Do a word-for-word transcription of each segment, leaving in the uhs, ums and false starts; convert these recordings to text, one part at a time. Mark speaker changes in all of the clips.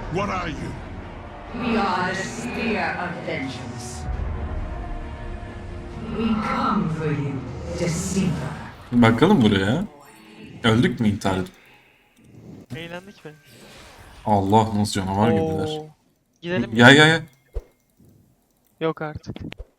Speaker 1: What are you?
Speaker 2: We are the spear of vengeance. We come for you, deceiver.
Speaker 3: Bakalım buraya. Öldük mü intihar edip?
Speaker 4: Eğlendik mi?
Speaker 3: Allah nasıl canavar gibiler.
Speaker 4: Oo. Gidelim
Speaker 3: Ya
Speaker 4: mi?
Speaker 3: ya ya.
Speaker 4: Yok artık.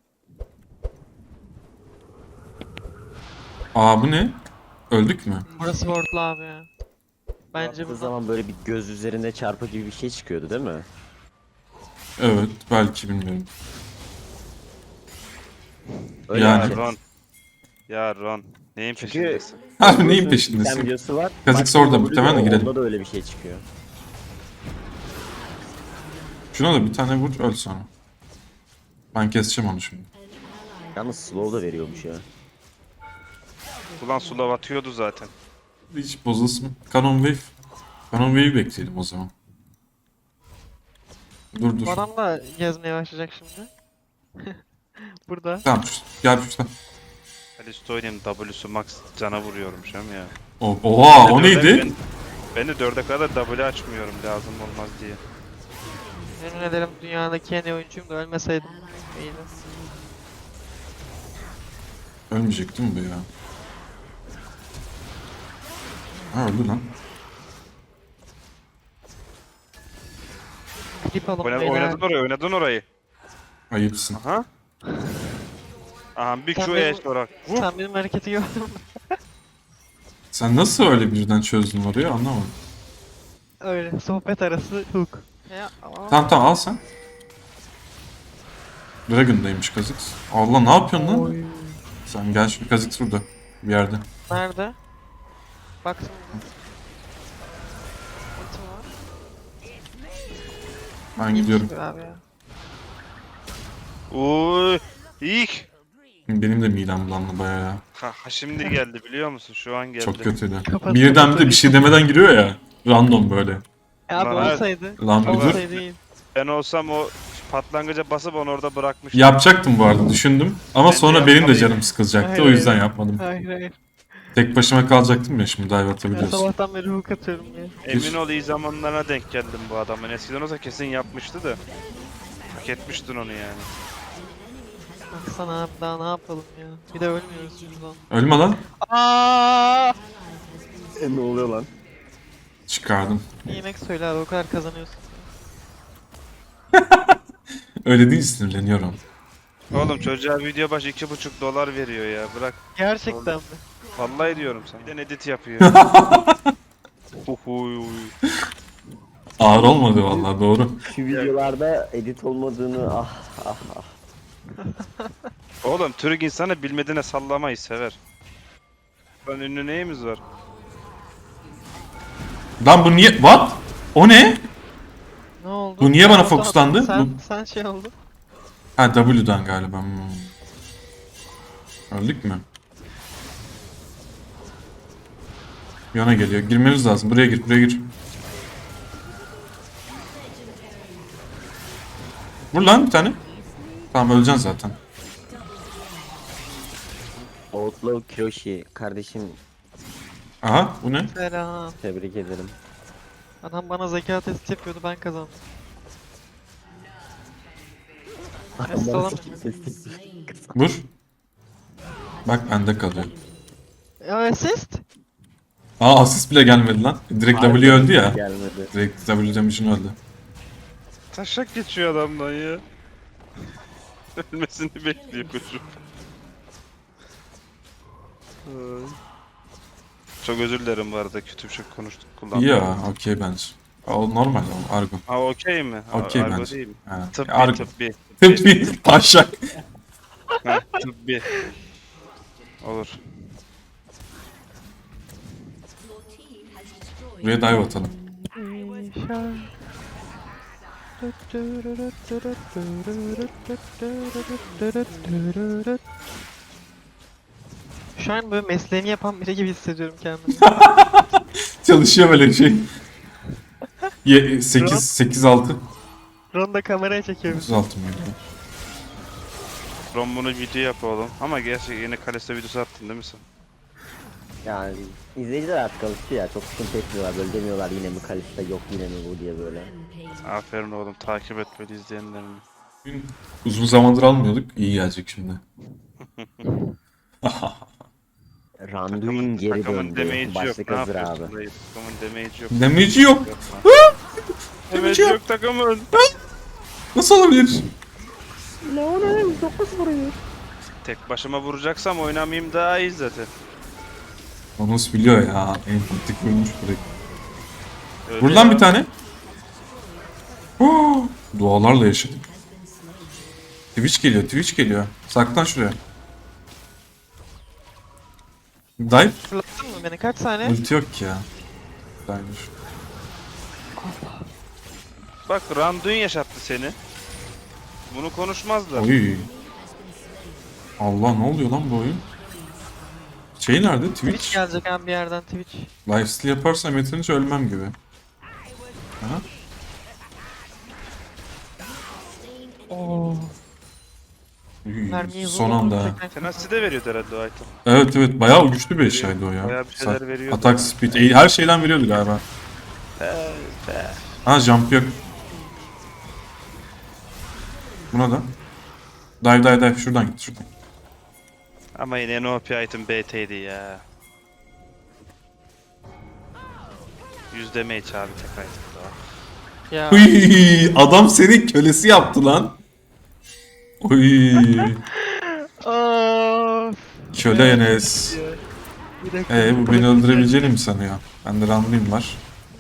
Speaker 3: Aa bu ne? Öldük mü?
Speaker 4: Burası wardlu abi ya. Bence
Speaker 5: Yaptığı
Speaker 4: buradan
Speaker 5: zaman böyle bir göz üzerinde çarpı gibi bir şey çıkıyordu değil mi?
Speaker 3: Evet belki bilmiyorum.
Speaker 5: Öyle
Speaker 3: Yani.
Speaker 5: bir şey.
Speaker 6: Ya Ron. Ya Ron. Neyin
Speaker 5: Çünkü
Speaker 6: peşindesin?
Speaker 3: Abi neyin
Speaker 5: Bir
Speaker 3: peşindesin?
Speaker 5: videosu var.
Speaker 3: Kazık
Speaker 5: Bak,
Speaker 3: orada,
Speaker 5: W
Speaker 3: muhtemelen de girelim.
Speaker 5: Onda da öyle bir şey çıkıyor.
Speaker 3: Şuna da bir tane vur öl sonra. Ben keseceğim onu şimdi.
Speaker 5: Yalnız slow da veriyormuş ya.
Speaker 6: Ulan Sulav atıyordu zaten.
Speaker 3: Hiç bozulsun. Canon Wave. Canon Wave'i bekleyelim o zaman. Dur dur.
Speaker 4: bu adam da gezmeye başlayacak şimdi. Burada.
Speaker 3: Tamam şu- gel şuradan.
Speaker 6: Alistoy'un W'su max cana vuruyorum şu an ya.
Speaker 3: O- Oha o
Speaker 6: Ben de dörde-
Speaker 3: neydi?
Speaker 6: Ben, ben de dörde kadar W açmıyorum lazım olmaz diye.
Speaker 4: Yemin ederim dünyadaki en iyi oyuncuyum da ölmeseydim. İyiydi.
Speaker 3: Ölmeyecek değil mi bu ya? Ha öldü lan.
Speaker 4: Klip alın
Speaker 6: Oynadın,
Speaker 4: beyler.
Speaker 6: oynadın orayı, oynadın orayı.
Speaker 3: Ayıpsın.
Speaker 6: Aha. Aha bir
Speaker 4: Sen
Speaker 6: Q
Speaker 4: benim-
Speaker 6: E olarak. Vur.
Speaker 4: Sen benim hareketi gördün mü?
Speaker 3: Sen nasıl öyle birden çözdün orayı anlamadım.
Speaker 4: Öyle sohbet arası hook. Ya, aa.
Speaker 3: Tamam tamam al sen. Dragon'daymış kazık. Allah ne yapıyorsun lan?
Speaker 4: Oy.
Speaker 3: Sen gel şimdi kazık burada. Bir yerde.
Speaker 4: Nerede? Baktım. Ultim var.
Speaker 3: Ben gidiyorum.
Speaker 4: Abi ya.
Speaker 6: Uy. İlk.
Speaker 3: Benim de midem bulandı bayağı ya.
Speaker 6: Ha, ha şimdi geldi biliyor musun? Şu an geldi.
Speaker 3: Çok kötüydü.
Speaker 4: Kapat,
Speaker 3: Birden
Speaker 4: kapat
Speaker 3: bir de bir şey demeden giriyor ya. Random böyle.
Speaker 4: Ya abi
Speaker 6: Lan evet.
Speaker 4: olsaydı.
Speaker 3: Lan bir dur.
Speaker 4: olsaydı iyi.
Speaker 6: Ben olsam o patlangıca basıp onu orada bırakmıştım.
Speaker 3: Yapacaktım bu arada düşündüm. Ama
Speaker 6: Ben de
Speaker 3: sonra benim de
Speaker 6: yapmalıydım.
Speaker 3: canım sıkılacaktı.
Speaker 4: Hayır,
Speaker 3: O yüzden
Speaker 4: hayır.
Speaker 3: yapmadım.
Speaker 4: Hayır hayır.
Speaker 3: Tek başıma kalacaktım ya şimdi dive
Speaker 4: Ben
Speaker 3: atabiliyorsun.
Speaker 4: sabahtan beri hook atıyorum ya.
Speaker 6: Emin ol iyi zamanlarına denk geldim bu adamın. Eskiden olsa kesin yapmıştı da. Hak etmiştin onu yani.
Speaker 4: Baksana abi daha ne yapalım ya. Bir de ölmüyoruz biz lan.
Speaker 3: Ölme lan.
Speaker 4: Aaaa!
Speaker 5: E, ne oluyor lan?
Speaker 3: Çıkardım.
Speaker 4: Yemek söyle abi o kadar kazanıyorsun.
Speaker 3: Öyle değil sinirleniyorum.
Speaker 6: Oğlum çocuğa video başı iki buçuk dolar veriyor ya. Bırak.
Speaker 4: Gerçekten mi?
Speaker 6: Vallahi diyorum sana. Bir de edit yapıyor. Uhuy.
Speaker 3: Ağır olmadı vallahi doğru.
Speaker 5: Şu videolarda edit olmadığını ah ah ah.
Speaker 6: Oğlum Türk insanı bilmediğine sallamayı sever. Lan ünlü neyimiz var?
Speaker 3: Lan bu niye? What? O ne?
Speaker 4: Ne oldu?
Speaker 3: Bu niye bana
Speaker 4: Sen-
Speaker 3: fokuslandı?
Speaker 4: Sen,
Speaker 3: Bu-
Speaker 4: sen şey oldu.
Speaker 3: Ha W'dan galiba. Hmm. Öldük mü? Yana geliyor. Girmemiz lazım. Buraya gir, buraya gir. Vur lan bir tane. Tamam öleceksin zaten.
Speaker 5: Outlaw Kiyoshi kardeşim
Speaker 3: Aha bu ne?
Speaker 4: Selam.
Speaker 5: tebrik ederim.
Speaker 4: Adam bana zeka testi yapıyordu ben kazandım.
Speaker 5: Bana
Speaker 4: Salam.
Speaker 5: sesli-
Speaker 3: Vur. Bak bende kalıyor.
Speaker 4: Ya assist?
Speaker 3: Aa asist bile gelmedi lan. Direkt W öldü ya.
Speaker 5: Gelmedi.
Speaker 3: Direkt W damage'in öldü.
Speaker 6: Taşak geçiyor adamdan ya. Ölmesini bekliyor çocuk. Ay. Çok özür dilerim bu arada kötü bir şey konuştuk kullandım.
Speaker 3: İyi ya okey bence. O normal o argo.
Speaker 6: Ha okey mi? Ha,
Speaker 3: Okey
Speaker 6: argo
Speaker 3: bence.
Speaker 6: değil mi?
Speaker 3: Ha.
Speaker 6: Tıbbi
Speaker 3: Argo.
Speaker 6: tıbbi.
Speaker 3: Tıbbi taşak.
Speaker 6: Ha, tıbbi. Olur.
Speaker 3: Buraya dive atalım.
Speaker 4: Şu an böyle mesleğini yapan biri gibi hissediyorum kendimi.
Speaker 3: Çalışıyor böyle şey. sekiz sekiz altı.
Speaker 4: Ronda kameraya çekiyor bizi.
Speaker 3: otuz altı mıydı?
Speaker 6: Ron bunu video yap oğlum. Ama gerçi yine Kalesta videosu attın değil mi sen?
Speaker 5: Yani izleyiciler artık alıştı ya. Çok sıkıntı etmiyorlar. Böyle demiyorlar yine mi Kalista yok yine mi bu diye böyle.
Speaker 6: Aferin oğlum, takip et böyle izleyenlerini.
Speaker 3: Bugün uzun zamandır almıyorduk. İyi gelecek şimdi.
Speaker 5: Randuin geri
Speaker 6: takımın
Speaker 5: döndü.
Speaker 6: damage'i yok.
Speaker 5: Başlık
Speaker 6: Ne
Speaker 5: hazır abi.
Speaker 6: yapıyorsun dayı? Takımın damage'i yok.
Speaker 3: Damage'i yok.
Speaker 6: Damage'i yok takımın.
Speaker 3: Nasıl olabilir?
Speaker 6: Tek başıma vuracaksam oynamayayım daha iyi zaten.
Speaker 3: Onus biliyor ya. En kritik vurmuş direkt.
Speaker 6: Öyle
Speaker 3: Buradan
Speaker 6: ya.
Speaker 3: bir tane. Oh, dualarla yaşadık. Twitch geliyor, Twitch geliyor. Saklan şuraya. Dive.
Speaker 4: Fırlattın mı beni? Kaç saniye?
Speaker 3: Ulti yok ki ya. Dive'miş.
Speaker 6: Bak Randuin yaşattı seni. Bunu konuşmazlar.
Speaker 3: Oy. Allah ne oluyor lan bu oyun? Şey nerede?
Speaker 4: Twitch
Speaker 3: Twitch.
Speaker 4: gelecek abi bir yerden Twitch.
Speaker 3: Lifesteal yaparsam yeterince ölmem gibi. Ha?
Speaker 4: Oo.
Speaker 3: Uy,
Speaker 4: Mermiyi
Speaker 3: son
Speaker 4: vurdum,
Speaker 3: anda.
Speaker 4: tekrar-
Speaker 6: Tenacity de veriyordu herhalde o item.
Speaker 3: Evet evet bayağı güçlü bir eşyaydı o ya.
Speaker 6: Bayağı bir şeyler
Speaker 3: Sa-
Speaker 6: veriyordu
Speaker 3: Atak
Speaker 6: ya.
Speaker 3: speed e, her şeyden veriyordu galiba.
Speaker 6: Be, be.
Speaker 3: Ha jump yok. Buna da. Dive dive dive şuradan git şuradan.
Speaker 6: Ama yine en O P item B T'ydi ya. yüz damage abi tek item daha.
Speaker 4: Ya.
Speaker 3: Uy, adam senin kölesi yaptı lan. Uy,
Speaker 4: Of.
Speaker 3: köle Enes.
Speaker 4: Bir dakika.
Speaker 3: Ee bu beni öldürebileceğini mi sanıyor? Bende Randuin var.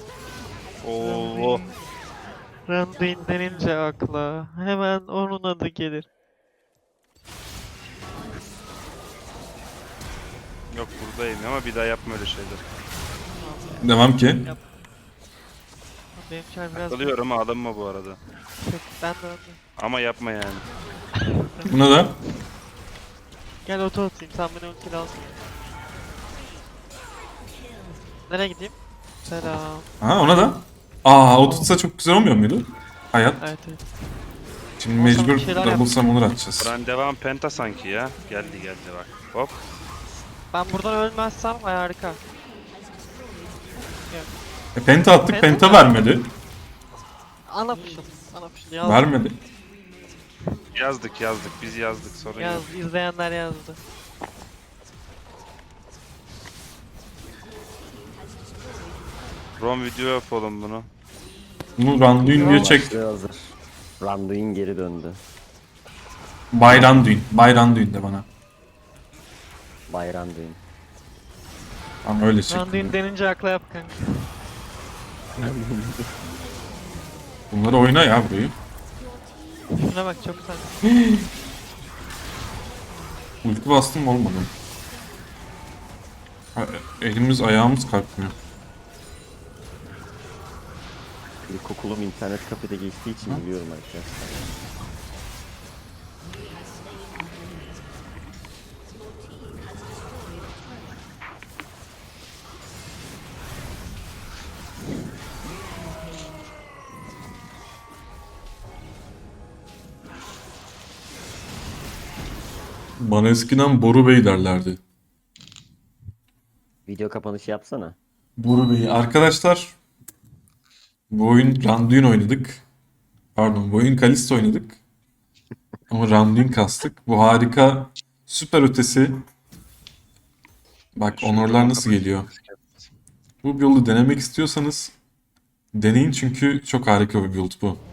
Speaker 6: Oo.
Speaker 4: Randuin denince akla hemen onun adı gelir.
Speaker 6: Yok buradayım ama bir daha yapma öyle şeyler.
Speaker 3: Devam ki.
Speaker 4: Benim çar biraz
Speaker 6: Alıyorum ama alınma bu arada.
Speaker 4: Peki, ben de öldüm.
Speaker 6: Ama yapma yani.
Speaker 3: Buna da.
Speaker 4: Gel oto atayım sen beni ulti lazım. Nereye gideyim? Selam.
Speaker 3: Ha ona da. Aa o tutsa çok güzel olmuyor muydu? Hayat.
Speaker 4: Evet evet.
Speaker 3: Şimdi
Speaker 4: Olsa
Speaker 3: mecbur
Speaker 4: bir şeyler
Speaker 3: double
Speaker 4: yap.
Speaker 3: summoner atacağız.
Speaker 6: Buran devam penta sanki ya. Geldi geldi bak. Hop.
Speaker 4: Ben buradan ölmezsem ay harika.
Speaker 3: E, penta attık
Speaker 4: Penta
Speaker 3: penta
Speaker 4: mı?
Speaker 3: vermedi.
Speaker 4: Ana fışıl. Ana fışıl yazdı.
Speaker 3: Vermedi.
Speaker 6: Yazdık yazdık biz yazdık sorun yok.
Speaker 4: Yaz, izleyenler yazdı.
Speaker 6: Rom video yapalım bunu.
Speaker 3: Bunu Randuin diye çek.
Speaker 5: Başlığı hazır. Randuin geri döndü.
Speaker 3: Bay Randuin. Bay Randuin de bana.
Speaker 5: Bay Randuin.
Speaker 3: Tamam öyle çek.
Speaker 4: Randuin denince akla yap kanka.
Speaker 3: Bunları oyna ya burayı.
Speaker 4: Şuna bak çok güzel.
Speaker 3: Ulti bastım olmadı. Ha, elimiz ayağımız kalkmıyor.
Speaker 5: İlkokulum internet kafede geçtiği için biliyorum arkadaşlar.
Speaker 3: Bana eskiden Boru Bey derlerdi.
Speaker 5: Video kapanışı yapsana.
Speaker 3: Boru Bey. Arkadaşlar bu oyun Randuin oynadık. Pardon bu oyun Kalista oynadık. Ama Randuin kastık. Bu harika süper ötesi. Bak onorlar nasıl geliyor. Bu build'u denemek istiyorsanız deneyin çünkü çok harika bir build bu.